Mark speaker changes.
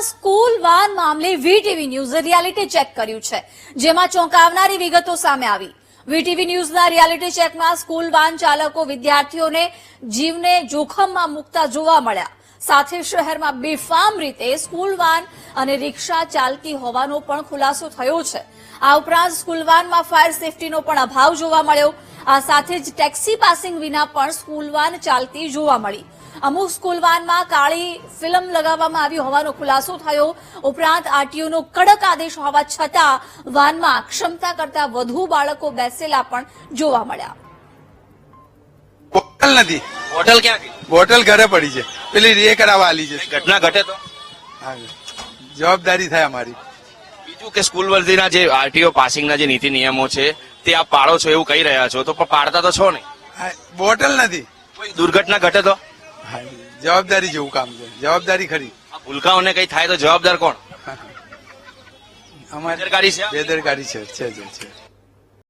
Speaker 1: School van મામલે VTV ન્યૂઝે reality check કર્યું છે, જેમાં ચોંકાવનારી વિગતો સામે આવી। વીટીવી ન્યૂઝના રિયાલિટી ચેકમાં સ્કૂલ વાન ચાલકો વિદ્યાર્થીઓને જીવને જોખમમાં મૂકતા જોવા મળ્યા। સાથે શહેરમાં બેફામ રીતે સ્કૂલ વાન અને રિક્ષા ચાલતી હોવાનો પણ ખુલાસો થયો છે। આ ઉપરાંત સ્કૂલ વાનમાં ફાયર સેફટીનો પણ અભાવ જોવા મળ્યો। આ સાથે જ ટેક્સી પાસિંગ વિના પણ સ્કૂલ વાન ચાલતી જોવા મળી। અમુક સ્કૂલ વાનમાં કાળી ફિલ્મ લગાવવામાં આવી હોવાનો ખુલાસો થયો। ઉપરાંત આરટીઓનો કડક આદેશ હોવા છતાં વાનમાં ક્ષમતા કરતા વધુ બાળકો બેસેલા પણ જોવા મળ્યા।
Speaker 2: બોટલ નથી,
Speaker 3: હોટલ ક્યાં ગઈ?
Speaker 2: બોટલ ઘરે પડી છે, પેલી રે કરાવવા આલી છે।
Speaker 3: ઘટના ઘટે તો
Speaker 2: હા, જવાબદારી થાય અમારી।
Speaker 3: બીજું કે સ્કૂલ વર્ધીના જે આરટીઓ પાસિંગના જે નીતિ નિયમો છે તે આપ પાળો છો એવું કહી રહ્યા છો, તો પણ પાડતા તો છો નહીં।
Speaker 2: હા, બોટલ નથી,
Speaker 3: કોઈ દુર્ઘટના ઘટે તો
Speaker 2: હા, જવાબદારી જેવું કામ છે, જવાબદારી ખરી।
Speaker 3: આ ભૂલકાઓને કઈ થાય તો જવાબદાર કોણ?
Speaker 2: અમારી
Speaker 3: બેદરકારી છે?
Speaker 2: બેદરકારી છે।